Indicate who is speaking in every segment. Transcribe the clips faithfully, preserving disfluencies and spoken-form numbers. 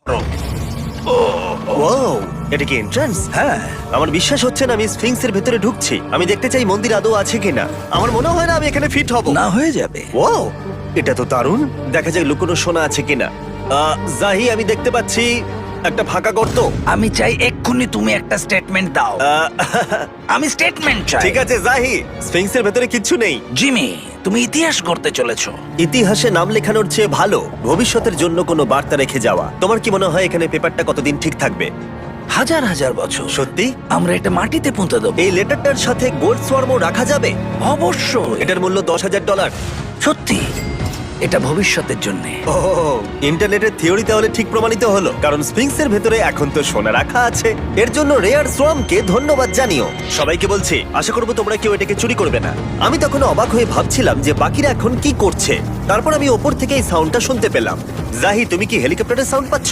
Speaker 1: Wow, এটা কি entrance?
Speaker 2: হ্যাঁ,
Speaker 1: আমার বিশ্বাস হচ্ছে না আমি স্ফিংসের ভেতরে ঢুকছি। আমি দেখতে চাই মন্দির আদৌ আছে কিনা। আমার মনে হয় না আমি এখানে ফিট হব।
Speaker 2: না হয়ে যাবে।
Speaker 1: ওয়াও, এটা তো দারুণ। দেখা যাক লুকোনো সোনা আছে কিনা। আহ, জাহি, আমি দেখতে পাচ্ছি একটা ফাঁকা গর্ত।
Speaker 2: আমি চাই এক্ষুনি তুমি একটা স্টেটমেন্ট দাও।
Speaker 1: আহ,
Speaker 2: আমি স্টেটমেন্ট চাই।
Speaker 1: ঠিক আছে জাহি, স্ফিংসের ভেতরে কিচ্ছু নেই।
Speaker 2: জিমি, তুমি ইতিহাস করতে চলেছো।
Speaker 1: ইতিহাসে নাম লেখানোর চেয়ে ভালো ভবিষ্যতের জন্য কোনো বার্তা রেখে যাওয়া। তোমার কি মনে হয় এখানে পেপারটা কতদিন ঠিক থাকবে?
Speaker 2: হাজার হাজার বছর।
Speaker 1: সত্যি?
Speaker 2: আমরা এটা মাটিতে পুঁতে দেবো।
Speaker 1: এই লেটারটার সাথে গোল্ড সোয়ার্মও রাখা যাবে?
Speaker 2: অবশ্যই।
Speaker 1: এটার মূল্য দশ হাজার ডলার।
Speaker 2: সত্যি, এটা ভবিষ্যতের জন্য।
Speaker 1: ও, ইন্টারনেটের থিওরি তাহলে ঠিক প্রমাণিত হলো, কারণ স্ফিংসের ভেতরে এখন তো সোনা রাখা আছে। এর জন্য রেয়ার সোয়ামকে ধন্যবাদ জানিও। সবাইকে বলছি, আশা করবো তোমরা কেউ এটাকে চুরি করবে না। আমি তখন অবাক হয়ে ভাবছিলাম যে বাকিরা এখন কি করছে। তারপর আমি ওপর থেকে এই সাউন্ডটা শুনতে পেলাম। জাহি, তুমি কি হেলিকপ্টারের সাউন্ড পাচ্ছ?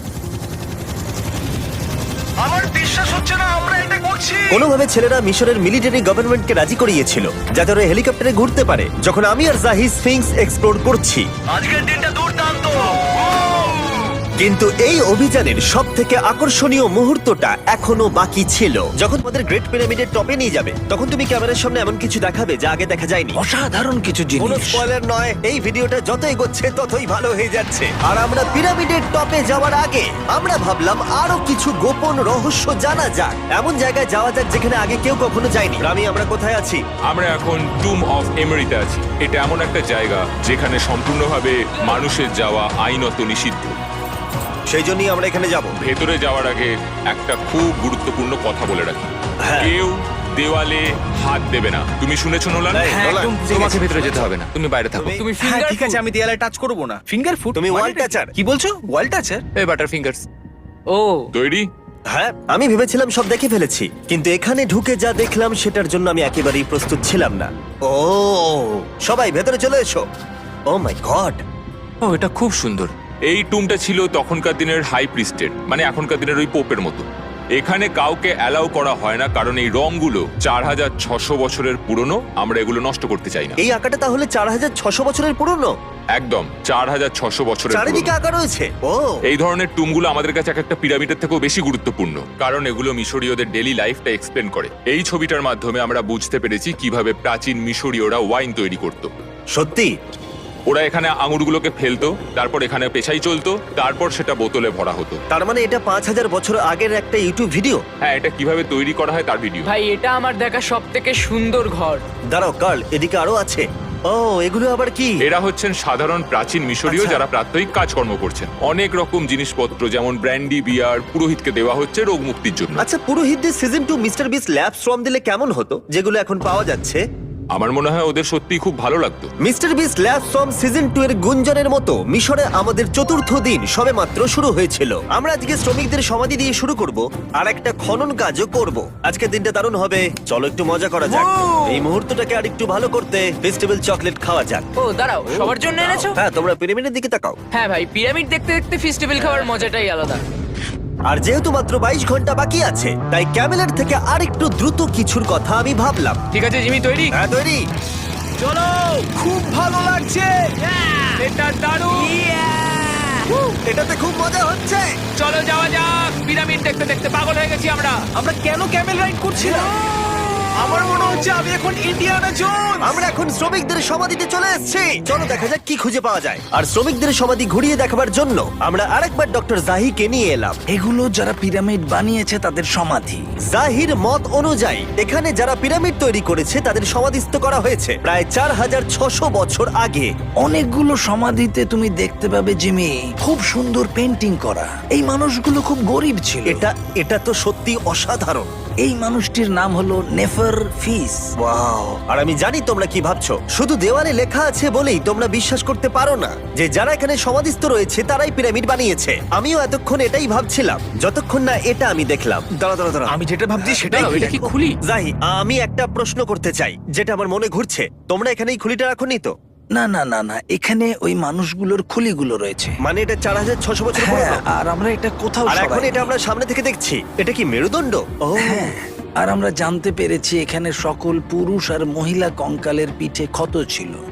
Speaker 2: আমার বিশ্বাস হচ্ছে না আমরা এটা করছি।
Speaker 1: কোনোভাবে ছেলেরা মিশরের মিলিটারি গভর্নমেন্টকে রাজি করিয়েছিল যাতে ওরা হেলিকপ্টারে ঘুরতে পারে যখন আমি আর জাহি স্ফিংস এক্সপ্লোর করছি।
Speaker 2: আজকের দিনটা দুর্দান্ত।
Speaker 1: কিন্তু এই অভিযানের সব থেকে আকর্ষণীয় মুহূর্তটা এখনো বাকি ছিল। যখন তোমাদের গ্রেট পিরামিডের টপে নিয়ে যাবে তখন তুমি ক্যামেরার সামনে এমন কিছু দেখাবে যা আগে দেখা যায়নি।
Speaker 2: অসাধারণ কিছু
Speaker 1: কোনো
Speaker 2: জিনিস।
Speaker 1: স্পয়লার নয়, এই ভিডিওটা যত এগোচ্ছে ততই ভালো হয়ে যাচ্ছে। আর আমরা পিরামিডের টপে যাওয়ার আগে আমরা ভাবলাম আরো কিছু গোপন রহস্য জানা যাক। এমন জায়গায় যাওয়া যাক যেখানে আগে কেউ কখনো যায়নি। রামি, আমরা কোথায় আছি?
Speaker 3: আমরা এখন টুম অফ এমেরিতে আছি। এটা এমন একটা জায়গা যেখানে সম্পূর্ণভাবে মানুষের যাওয়া আইনত নিষিদ্ধ।
Speaker 1: সেই জন্যই আমরা এখানে যাব।
Speaker 3: ভেতরে যাওয়ার আগে একটা খুব গুরুত্বপূর্ণ কথা বলে রাখি,
Speaker 1: হ্যাঁ।
Speaker 3: কেউ দেওয়ালে হাত দেবে না। তুমি শুনেছো নোলান?
Speaker 1: এই,
Speaker 2: হ্যাঁ,
Speaker 1: নোলান,
Speaker 2: একদম বুঝে
Speaker 4: তোমাকে
Speaker 2: গেছি।
Speaker 4: ভেতরে যেতে হবে না, তুমি বাইরে থাকো।
Speaker 1: তুমি-
Speaker 4: তুমি
Speaker 5: হ্যাঁ
Speaker 4: ফিঙ্গার
Speaker 5: ঠিক আছে, আমি দেয়ালে টাচ করব না। Finger food?
Speaker 1: তুমি ওয়াল টাচার।
Speaker 5: কি বলছো? ওয়াল টাচার?
Speaker 4: এই বাটার ফিঙ্গারস।
Speaker 5: ও
Speaker 3: তৈরি?
Speaker 1: হ্যাঁ, আমি ভেবেছিলাম সব দেখে ফেলেছি, কিন্তু এখানে ঢুকে যা দেখলাম সেটার জন্য আমি একেবারেই প্রস্তুত ছিলাম না। ও, সবাই ভেতরে চলে এসো। ও মাই গড,
Speaker 4: ও, এটা খুব সুন্দর।
Speaker 3: এই টুমটা ছিল তখনকার দিনের হাই প্রিস্টের, মানে এখনকার দিনের ওই পোপের মতো। এখানে কাউকে অ্যালাউ করা হয় না কারণ এই রংগুলো চার হাজার ছশো বছরের পুরনো। আমরা এগুলো নষ্ট করতে চাই না।
Speaker 1: এই আঁকাটা তাহলে চার হাজার ছশো বছরের পুরনো?
Speaker 3: একদম চার হাজার ছশো বছরের
Speaker 1: চারিদিকে
Speaker 3: পুরনো।
Speaker 1: আঁকা রয়েছে। ও,
Speaker 3: এই ধরনের টুমগুলো আমাদের কাছে এক একটা পিরামিডের থেকেও বেশি গুরুত্বপূর্ণ, কারণ এগুলো মিশরীয়দের ডেইলি লাইফটা এক্সপ্লেন করে। এই ছবিটার মাধ্যমে আমরা বুঝতে পেরেছি কিভাবে প্রাচীন মিশরীয়রা ওয়াইন তৈরি করত।
Speaker 1: সত্যি?
Speaker 3: ওরা এখানে আঙুরগুলোকে ফেলতো, তারপর এখানে পেশাই চলতো, তারপর সেটা বোতলে ভরা হতো।
Speaker 1: তার মানে এটা পাঁচ হাজার বছর আগের একটা ইউটিউব ভিডিও?
Speaker 3: হ্যাঁ, এটা কিভাবে তৈরি করা হয় তার ভিডিও।
Speaker 6: ভাই এটা আমার দেখা সব থেকে সুন্দর ঘর।
Speaker 1: দাঁড়াও কার্ল, এদিকে আরো আছে। ও, এগুলো আবার কি?
Speaker 3: এরা হচ্ছেন সাধারণ প্রাচীন মিশরীয়
Speaker 1: আচ্ছা।
Speaker 3: যারা প্রাত্যহিক কাজকর্ম করছেন। অনেক রকম জিনিসপত্র যেমন ব্র্যান্ডি, বিয়ার পুরোহিতকে দেওয়া হচ্ছে রোগ মুক্তির জন্য।
Speaker 1: আচ্ছা, পুরোহিতদের সিজন টু মিস্টার বিস ল্যাব শ্রম দিলে কেমন হতো, যেগুলো এখন পাওয়া যাচ্ছে?
Speaker 3: আমার মনে হয় ওদের সত্যিই খুব ভালো লাগতো।
Speaker 1: মিস্টার বিস ল্যাব শ্রম সিজন টু এর গুঞ্জনের মতো মিশরে আমাদের চতুর্থ দিন সবেমাত্র শুরু হয়েছিল। আমরা আজকে শ্রমিকদের সমাধি দিয়ে শুরু করব আর একটা খনন কাজও করব। আজকের দিনটা দারুণ হবে, চলো একটু মজা করা যাক। এই মুহূর্তটাকে আর একটু ভালো করতে ফেস্টিভ্যাল চকলেট খাওয়া যাক।
Speaker 6: ও দাঁড়াও, সবার জন্য এনেছো?
Speaker 1: হ্যাঁ, তোমরা পিরামিডের দিকে তাকাও।
Speaker 6: হ্যাঁ ভাই, পিরামিড দেখতে দেখতে ফেস্টিভ্যাল খাওয়ার মজাটাই আলাদা।
Speaker 1: আর যেহেতু মাত্র বাইশ ঘন্টা বাকি আছে তাই ক্যামেলের থেকে আরেকটু দ্রুত কিছুর কথা আমি ভাবলাম।
Speaker 6: ঠিক আছে জিমি, তৈরি?
Speaker 1: হ্যাঁ, তৈরি।
Speaker 5: চলো, খুব ভালো লাগছে।
Speaker 6: এটা দারুণ।
Speaker 1: এটাতে খুব মজা হচ্ছে।
Speaker 6: চলো যাওয়া যাক। পিরামিড দেখতে দেখতে পাগল হয়ে গেছি আমরা।
Speaker 5: আমরা কেন ক্যামেল রাইড করছি না? আমার মনে হচ্ছে আমি এখন ইন্ডিয়ানা জোনস।
Speaker 1: আমরা এখন শ্রমিকদের সমাধিতে চলে এসেছি। চলো দেখা যাক কি খুঁজে পাওয়া যায়। আর শ্রমিকদের সমাধি ঘুরিয়ে দেখাবার জন্য আমরা আরেকবার ডক্টর জাহিকে নিয়ে এলাম।
Speaker 2: এগুলো যারা পিরামিড বানিয়েছে তাদের সমাধি।
Speaker 1: জাহির মত অনুযায়ী এখানে যারা পিরামিড তৈরি করেছে তাদের সমাধিস্থ করা হয়েছে প্রায় চার হাজার ছশো বছর আগে।
Speaker 2: অনেকগুলো সমাধিতে তুমি দেখতে পাবে জিমি খুব সুন্দর পেন্টিং করা। এই মানুষগুলো খুব গরিব ছিল।
Speaker 1: এটা এটা তো সত্যি অসাধারণ।
Speaker 2: এই মানুষটির নাম হলো নেফার ফিস।
Speaker 1: ওয়াও! আর আমি জানি তোমরা কি ভাবছো। শুধু দেওয়ালে লেখা আছে বলেই তোমরা বিশ্বাস করতে পারো না যে যারা এখানে সমাধিস্থ রয়েছে তারাই পিরামিড বানিয়েছে। আমিও এতক্ষণ এটাই ভাবছিলাম যতক্ষণ না এটা আমি দেখলাম। দাঁড়া দাঁড়া দাঁড়া,
Speaker 5: আমি যেটা ভাবছি সেটাই
Speaker 6: দাঁড়াও, এটা কি খুলি?
Speaker 1: জাহি, আমি একটা প্রশ্ন করতে চাই যেটা আমার মনে ঘুরছে। তোমরা এখানে এই খুলিটা রাখোনি তো?
Speaker 2: না না না না, এখানে ওই মানুষগুলোর খুলিগুলো রয়েছে।
Speaker 1: মানে এটা চার হাজার ছশো বছর
Speaker 2: হ্যাঁ,
Speaker 1: পুরনো।
Speaker 2: আর আমরা এটা কোথাও
Speaker 1: আর এখন
Speaker 2: সরাইনি।
Speaker 1: এটা আমরা সামনে থেকে দেখছি। এটা কি মেরুদণ্ড? ও
Speaker 2: হ্যাঁ, আর আমরা জানতে পেরেছি এখানে সকল পুরুষ আর মহিলা কঙ্কালের পিঠে ক্ষত ছিল।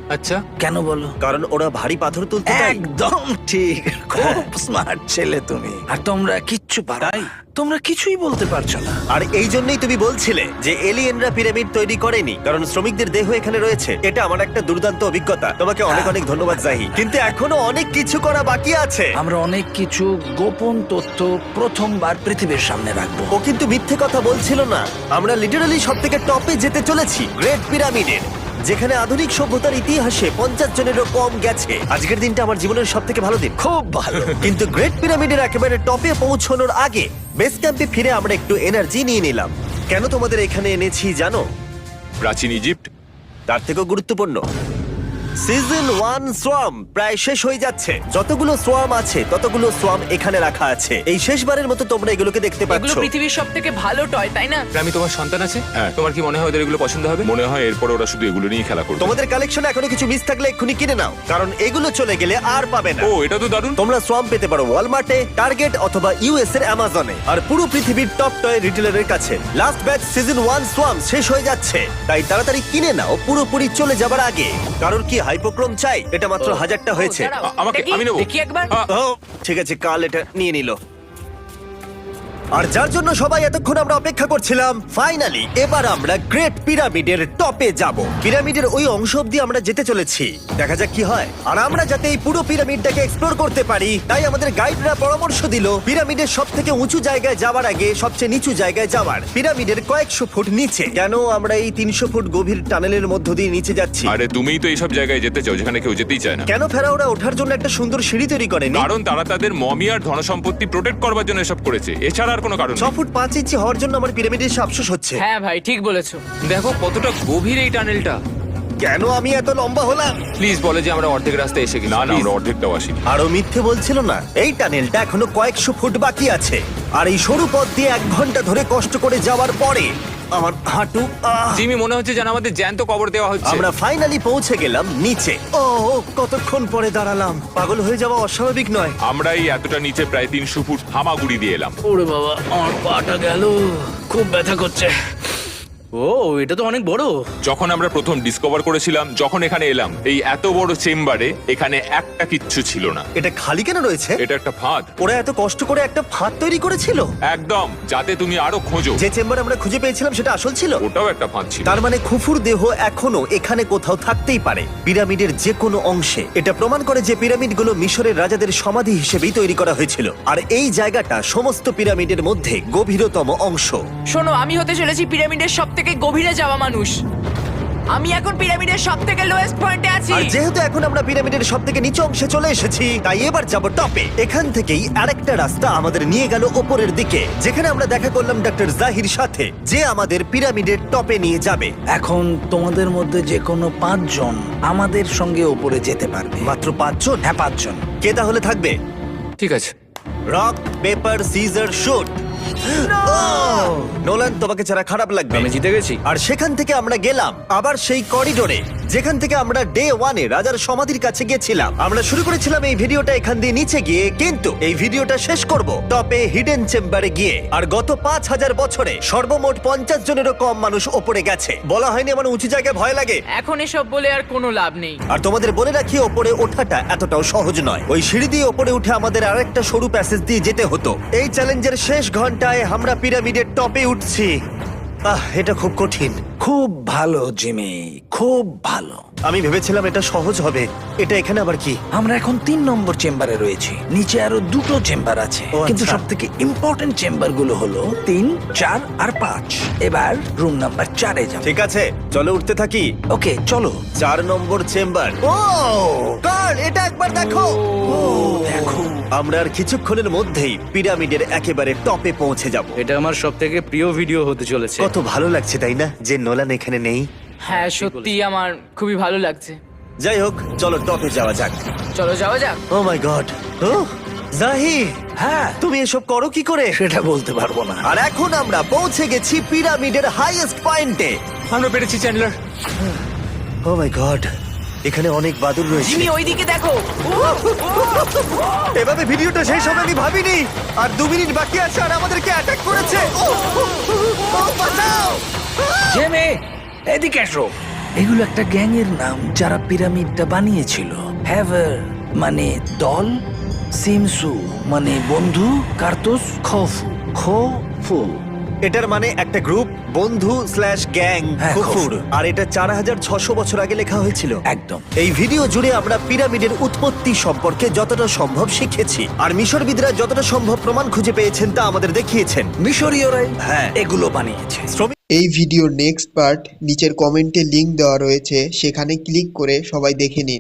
Speaker 4: আচ্ছা
Speaker 2: কেন বলো?
Speaker 1: কারণ ওরা ভারী পাথর তুলতে চায়।
Speaker 2: একদম ঠিক, খুব স্মার্ট ছেলে তুমি। আর তোমরা কিচ্ছু পারো না। তোমরা কিছুই বলতে পারছো না।
Speaker 1: আর এই জন্যই তুমি বলছিলে যে এলিয়েনরা পিরামিড তৈরি করেনি, কারণ শ্রমিকদের দেহ এখানে রয়েছে। এটা আমার একটা দুর্দান্ত অভিজ্ঞতা। তোমাকে অনেক অনেক ধন্যবাদ জাহি, কিন্তু এখনো অনেক কিছু করা বাকি আছে।
Speaker 2: আমরা অনেক কিছু গোপন তথ্য প্রথমবার পৃথিবীর সামনে রাখবো।
Speaker 1: ও কিন্তু মিথ্যে কথা বলছিল না। আমরা লিটারালি সব থেকে টপে যেতে চলেছি, গ্রেট পিরামিডের, যেখানে আধুনিক সভ্যতার ইতিহাসে পঞ্চাশ জনেরও কম গেছে। আজকের দিনটা আমার জীবনের সব থেকে ভালো দিন।
Speaker 2: খুব ভালো।
Speaker 1: কিন্তু গ্রেট পিরামিডের একেবারে টপে পৌঁছানোর আগে বেস ক্যাম্পে ফিরে আমরা একটু এনার্জি নিয়ে নিলাম। কেন তোমাদের এখানে এনেছি জানো?
Speaker 3: প্রাচীন ইজিপ্ট।
Speaker 1: তার থেকেও গুরুত্বপূর্ণ, সিজন ওয়ান সোয়াম প্রায় শেষ হয়ে যাচ্ছে। যতগুলো সোয়াম আছে ততগুলো সোয়াম এখানে রাখা আছে। এই শেষবারের মতো তোমরা এগুলোকে দেখতে
Speaker 7: এগুলো
Speaker 1: পাচ্ছ।
Speaker 7: পৃথিবীর সব থেকে ভালো টয়, তাই না?
Speaker 4: আমি তোমার সন্তান আছে,
Speaker 3: হ্যাঁ।
Speaker 4: তোমার কি মনে হয় ওদের এগুলো পছন্দ হবে?
Speaker 3: মনে হয় এরপর ওরা শুধু এগুলো নিয়ে খেলা করবে।
Speaker 1: তোমাদের কালেকশনে এখনো কিছু মিস থাকলে এক্ষুনি কিনে নাও, কারণ এগুলো চলে গেলে আর পাবে না।
Speaker 3: ও এটা তো দারুণ।
Speaker 1: তোমরা সোয়াম পেতে পারো ওয়ালমার্টে, টার্গেট অথবা ইউএস এর অ্যামাজনে, আর পুরো পৃথিবীর টপ টয় রিটেলারের কাছে। লাস্ট ব্যাচ সিজন ওয়ান সোয়াম শেষ হয়ে যাচ্ছে, তাই তাড়াতাড়ি কিনে নাও পুরোপুরি চলে যাবার আগে। কারণ কি হাইপোক্রোম চাই? এটা মাত্র হাজারটা হয়েছে।
Speaker 7: ও, দাঁড়াও,
Speaker 3: আ- আমাকে-
Speaker 7: দেখি,
Speaker 3: আমি নেবো।
Speaker 7: দেখি একবার।
Speaker 3: আ,
Speaker 1: ও ঠিক আছে, কাল এটা নিয়ে নিল। আর যার জন্য সবাই এতক্ষণ আমরা অপেক্ষা করছিলাম, ফাইনালি এবার আমরা গ্রেট পিরামিডের টপে যাব। পিরামিডের ওই অংশ অব্দি আমরা যেতে চলেছি, দেখা যাক কি হয়। আর আমরা যাতে এই পুরো পিরামিডটাকে এক্সপ্লোর করতে পারি, তাই আমাদের গাইডরা পরামর্শ দিল পিরামিডের সব থেকে উঁচু জায়গায় যাওয়ার আগে সবচেয়ে নিচু জায়গায় যাওয়ার, পিরামিডের কয়েকশো ফুট নিচে। কেন আমরা এই তিনশো ফুট গভীর টানেলের মধ্য দিয়ে নিচে যাচ্ছি?
Speaker 3: আরে তুমিই তো এইসব জায়গায় যেতে চাও যেখানে কেউ যেতেই চায় না।
Speaker 1: কেন ফেরাওরা ওঠার জন্য একটা সুন্দর সিঁড়ি তৈরি করেনি?
Speaker 3: কারণ তারা তাদের মমি আর ধনসম্পত্তি প্রোটেক্ট করবার জন্য এসব করেছে, এছাড়া আর কোনো কারণ
Speaker 1: ছ
Speaker 3: নেই।
Speaker 1: ফুট পাঁচ ইঞ্চি হওয়ার জন্য আমার পিরামিডের এসে আফসোস হচ্ছে।
Speaker 7: হ্যাঁ ভাই, ঠিক বলেছো।
Speaker 4: দেখো কতটা গভীর এই টানেলটা।
Speaker 1: কেন আমি এত লম্বা হলাম?
Speaker 4: প্লিজ বলে যে আমরা অর্ধেক রাস্তায় এসে গেছি।
Speaker 3: না না
Speaker 4: Please।
Speaker 3: আমরা অর্ধেকটাও আসিনি।
Speaker 1: আরো মিথ্যে বলছিল না। এই টানেলটা এখনো কয়েকশো ফুট বাকি আছে, আর এই সরু পথ দিয়ে এক ঘন্টা ধরে কষ্ট করে যাওয়ার পরে আমার হাঁটু আহ!
Speaker 4: জিমি, মনে হচ্ছে যেন আমাদের জ্যান্ত কবর দেওয়া হচ্ছে।
Speaker 1: আমরা ফাইনালি পৌঁছে গেলাম নিচে। ও ও, কতক্ষণ পরে দাঁড়ালাম। পাগল হয়ে যাওয়া অস্বাভাবিক নয়।
Speaker 3: আমরা এই এতটা নিচে প্রায় তিনশো ফুট হামাগুড়ি দিয়ে এলাম।
Speaker 2: ওরে বাবা, আমার পাটা গেল, খুব ব্যথা করছে।
Speaker 5: ও এটা তো অনেক বড়।
Speaker 3: যখন আমরা প্রথম ডিসকভার করেছিলাম, যখন এখানে এলাম, এই এত বড় চেম্বারে এখানে একটা কিচ্ছু ছিল না।
Speaker 1: এটা খালি কেন রয়েছে?
Speaker 3: এটা একটা ফাঁদ।
Speaker 1: ওরা এত কষ্ট করে একটা ফাঁদ তৈরি করেছিল।
Speaker 3: একদম, যাতে তুমি আরো খোঁজো।
Speaker 1: যে চেম্বার আমরা খুঁজে পেয়েছিলাম সেটা আসল ছিল।
Speaker 3: ওটাও একটা ফাঁদ ছিল।
Speaker 1: তার মানে খুফুর দেহ এখনো এখানে কোথাও থাকতেই পারে, পিরামিডের যে কোনো অংশে। এটা প্রমাণ করে যে পিরামিডগুলো মিশরের রাজাদের সমাধি হিসেবেই তৈরি করা হয়েছিল, আর এই জায়গাটা সমস্ত পিরামিডের মধ্যে গভীরতম অংশ।
Speaker 7: শোনো, আমি হতে চলেছি পিরামিডের সব থেকে গভীরে যাওয়া মানুষ। আমি এখন পিরামিডের সব থেকে লোয়েস্ট পয়েন্টে আছি।
Speaker 1: আর যেহেতু এখন আমরা পিরামিডের সব থেকে নিচু অংশে চলে এসেছি, তাই এবার যাব টপে। এখান থেকেই আরেকটা রাস্তা আমাদের নিয়ে গেল ওপরের দিকে, যেখানে আমরা দেখা করলাম ডক্টর জাহির সাথে, যে আমাদের পিরামিডের টপে নিয়ে যাবে।
Speaker 2: এখন তোমাদের মধ্যে যে কোনো পাঁচজন আমাদের সঙ্গে ওপরে যেতে পারবে।
Speaker 1: মাত্র পাঁচজন?
Speaker 2: হ্যাঁ, পাঁচজন।
Speaker 1: কে তাহলে থাকবে?
Speaker 4: ঠিক আছে।
Speaker 1: Rock paper scissor shoot. Nolan, তোমাকে ছাড়া খারাপ লাগবে।
Speaker 5: আমি জিতে গেছি।
Speaker 1: আর সেখান থেকে আমরা গেলাম আবার সেই করিডোরে, যেখান থেকে আমরা ডে ওয়ানে রাজার সমাধির কাছে গেছিলাম। আমরা শুরু করেছিলাম এই ভিডিওটা এখান দিয়ে নিচে গিয়ে, কিন্তু এই ভিডিওটা শেষ করব টপে হিডেন চেম্বারে গিয়ে। আর গত পাঁচ হাজার বছরে সর্বমোট পঞ্চাশ জনেরও কম মানুষ ওপরে গেছে। বলা হয়নি আমার উঁচু জায়গায় ভয় লাগে।
Speaker 7: এখন এসব বলে আর কোনো লাভ নেই।
Speaker 1: আর তোমাদের বলে রাখি, ওপরে ওঠাটা এতটাও সহজ নয়। ওই সিঁড়ি দিয়ে ওপরে উঠে আমাদের আরেকটা সরু প্যাসেজ দিয়ে যেতে হতো। এই চ্যালেঞ্জের শেষ ঘন্টায় আমরা পিরামিডের টপে উঠছি। আহ, এটা খুব কঠিন।
Speaker 2: খুব ভালো জিমি, খুব ভালো।
Speaker 1: আমি ভেবেছিলাম এটা সহজ হবে। এটা এখানে আবার কি?
Speaker 2: আমরা এখন তিন নম্বর চেম্বারে রয়েছি। নিচে আরো দুটো চেম্বার আছে,
Speaker 1: ও,
Speaker 2: কিন্তু
Speaker 1: আচ্ছা।
Speaker 2: সব থেকে ইম্পর্টেন্ট চেম্বার গুলো হলো তিন, চার আর পাঁচ। এবার রুম নাম্বার চারে যাব।
Speaker 1: ঠিক আছে, চলো উঠতে থাকি।
Speaker 2: ওকে, চলো।
Speaker 1: চার নম্বর চেম্বার। ও কার্ল, এটা একবার দেখো। ও দেখো, আমরা আর কিছুক্ষণের মধ্যেই পিরামিডের একেবারে টপে পৌঁছে যাব।
Speaker 5: এটা আমার সব থেকে প্রিয় ভিডিও হতে চলেছে।
Speaker 1: কত ভালো লাগছে তাই না, যে নোলান এখানে নেই।
Speaker 7: হ্যাঁ, সত্যি আমার খুবই ভালো লাগছে।
Speaker 1: যাই হোক, চলো টপে যাওয়া যাক।
Speaker 7: চলো যাওয়া যাক।
Speaker 1: ও মাই গড। ও জাহি,
Speaker 2: হ্যাঁ,
Speaker 1: তুমি এসব করো কি করে?
Speaker 2: সেটা বলতে পারবো না।
Speaker 1: আর এখন আমরা পৌঁছে গেছি পিরামিডের হাইয়েস্ট পয়েন্টে।
Speaker 4: আমরা পেরেছি চ্যান্ডলার।
Speaker 1: ও মাই গড, এখানে অনেক বাদুড় রয়েছে।
Speaker 7: জিমি, ওইদিকে দেখো।
Speaker 1: এভাবে ভিডিওটা শেষ হবে আমি ভাবিনি। আর দু মিনিট বাকি আছে আর আমাদেরকে অ্যাটাক করেছে। ও, ও, ও, বাঁচাও!
Speaker 2: জিমি, এদিকে এসো। এগুলো একটা গ্যাংয়ের নাম যারা পিরামিডটা বানিয়েছিল। হ্যাভার মানে দল, সিমসু মানে বন্ধু, কার্তুস খফু খফু।
Speaker 1: এটার মানে একটা গ্রুপ, বন্ধু স্ল্যাশ গ্যাং,
Speaker 2: হ্যাঁ,
Speaker 1: খুফুর।
Speaker 2: খুফুর।
Speaker 1: আর এটা চার হাজার ছশো বছর আগে লেখা হয়েছিল।
Speaker 2: একদম।
Speaker 1: এই ভিডিও জুড়ে আমরা পিরামিডের উৎপত্তি সম্পর্কে যতটা সম্ভব শিখেছি, আর মিশরবিদরা যতটা সম্ভব প্রমাণ খুঁজে পেয়েছেন তা আমাদের দেখিয়েছেন।
Speaker 2: মিশরীয়রাই
Speaker 1: হ্যাঁ।
Speaker 2: এগুলো বানিয়েছে।
Speaker 1: শ্রমিক
Speaker 8: এই ভিডিওর নেক্সট পার্ট নিচের কমেন্টে লিংক দেওয়া রয়েছে, সেখানে ক্লিক করে সবাই দেখে নিন।